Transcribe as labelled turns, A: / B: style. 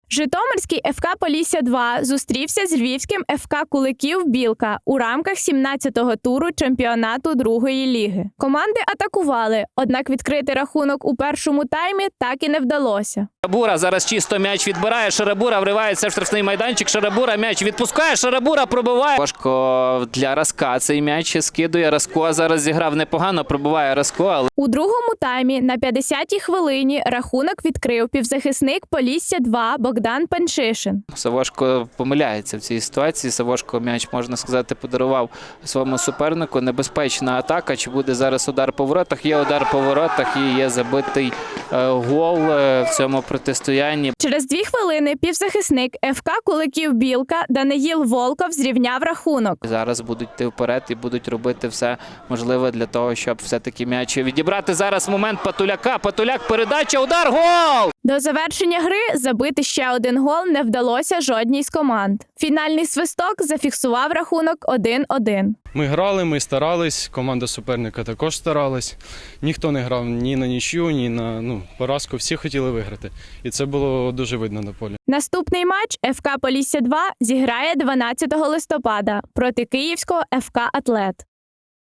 A: Житомирський ФК «Полісся-2» зустрівся з львівським ФК «Куликів Білка» у рамках 17-го туру чемпіонату другої ліги. Команди атакували, однак відкрити рахунок у першому таймі так і не вдалося.
B: Шарабура зараз чисто м'яч відбирає, Шарабура вривається в штрафний майданчик, Шарабура м'яч відпускає, Шарабура пробиває. Важко для Раска цей м'яч скидує, Раско зараз зіграв непогано, пробиває Раско, але...
A: У другому таймі на 50-й хвилині рахунок відкрив півзахисник «Полісся-2» Богдан Панчишин.
B: Савошко помиляється в цій ситуації, Савошко м'яч, можна сказати, подарував своєму супернику. Небезпечна атака, чи буде зараз удар по воротах? Є удар по воротах і є забитий гол в цьому протистоянні.
A: Через 2 хвилини півзахисник ФК «Куликів Білка» Даниїл Волков зрівняв рахунок.
B: Зараз будуть йти вперед і будуть робити все можливе для того, щоб все-таки м'яч відібрати. Зараз момент Патуляка. Патуляк, передача, удар, гол!
A: До завершення гри забити ще один гол не вдалося жодній з команд. Фінальний свисток зафіксував рахунок 1-1.
C: Ми грали, ми старались, команда суперника також старалась. Ніхто не грав ні на нічию, ні на поразку. Всі хотіли виграти. І це було дуже видно на полі.
A: Наступний матч ФК «Полісся-2» зіграє 12 листопада проти київського ФК «Атлет».